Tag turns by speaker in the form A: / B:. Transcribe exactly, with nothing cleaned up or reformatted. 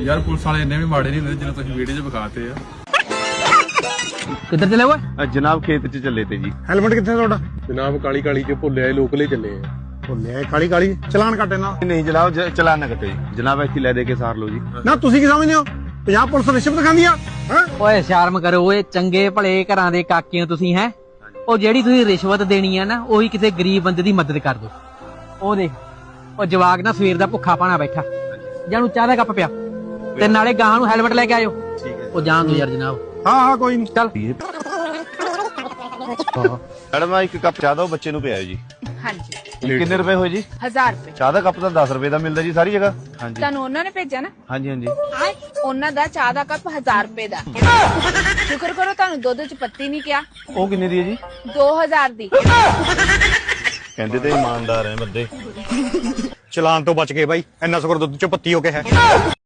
A: यार पुलिस वाले इन्ने भी माड़े नहीं होंगे जिन्हें तुम वीडियो च विखाते आ।
B: किधर चले हुए?
C: जनाब खेत च चले थे जी।
D: हेलमेट कितने थोड़ा?
A: जनाब काली काली जो भुले आए लोकले चले आ।
D: ਭੁੱਲਿਆ ਕਾਲੀ ਕਾਲੀ ਚਲਾਨ ਕੱਟੇ ਨਾ।
C: नहीं जनाब ज- चलान ना कटे जी। जनाब ऐसी ले दे के सार लो जी।
D: ਨਾ ਤੁਸੀਂ ਕੀ ਸਮਝਦੇ ਹੋ ਪੰਜਾਬ ਪੁਲਿਸ ਰਿਸ਼ਵਤ ਖਾਂਦੀ ਆ ਹੈ?
B: ਓਏ ਸ਼ਰਮ ਕਰੋ ਓਏ, ਚੰਗੇ ਭਲੇ ਘਰਾਂ ਦੇ ਕਾਕੇ ਹੋ ਤੁਸੀਂ ਹੈ। ਉਹ ਜਿਹੜੀ ਤੁਸੀਂ ਰਿਸ਼ਵਤ ਦੇਣੀ ਆ ਨਾ, ਉਹੀ ਕਿਸੇ ਗਰੀਬ ਬੰਦੇ ਦੀ ਮਦਦ ਕਰ ਦੋ। ਉਹ ਦੇਖ ਉਹ ਜਵਾਕ ਨਾ ਸਵੇਰ ਦਾ ਭੁੱਖਾ ਪਾਣਾ ਬੈਠਾ, ਜਾਨੂੰ ਚਾਹ ਦਾ ਕੱਪ ਪਿਆ ਤੇ ਨਾਲੇ ਗਾਹਾਂ ਨੂੰ ਹੈਲਮਟ ਲੈ ਕੇ ਆਇਓ। ਉਹ ਜਾਣ ਦੋ ਯਾਰ ਜਨਾਬ।
D: ਹਾਂ ਹਾਂ ਕੋਈ ਨਹੀਂ
B: ਚੱਲ
C: मैडम एक कप चाह दो बच्चे नु पियाओ जी।
E: हाँ जी
C: कितने रुपए होए जी?
E: हजार रुपए
C: चाह दा कप ਤਾਂ दस ਰੁਪਏ ਦਾ ਮਿਲਦਾ ਜੀ ਸਾਰੀ ਜਗ੍ਹਾ। ਹਾਂਜੀ
E: ਤੁਹਾਨੂੰ ਉਹਨਾਂ ਨੇ ਭੇਜਿਆ ਨਾ।
C: ਹਾਂਜੀ ਹਾਂਜੀ
E: ਹਾਂ ਉਹਨਾਂ ਦਾ ਚਾਹ ਦਾ ਕੱਪ ਹਜ਼ਾਰ ਰੁਪਏ ਦਾ। ਸ਼ੁਕਰ ਕਰੋ ਤੁਹਾਨੂੰ ਦੁੱਧ ਚ ਪੱਤੀ ਨਹੀਂ ਕਿਹਾ।
C: ਉਹ ਕਿੰਨੇ ਦੀ ਹੈ ਜੀ?
E: ਦੋ ਹਜ਼ਾਰ ਦੀ।
C: ਕਹਿੰਦੇ ਤੇ ਇਮਾਨਦਾਰ ਹੈ ਬੰਦੇ।
D: ਚਲਾਨ ਤੋਂ ਬਚ ਗਏ ਬਾਈ, ਇੰਨਾ ਸ਼ੁਕਰ ਦੁੱਧ ਚੋਂ ਪੱਤੀ ਹੋ ਕੇ ਹੈ।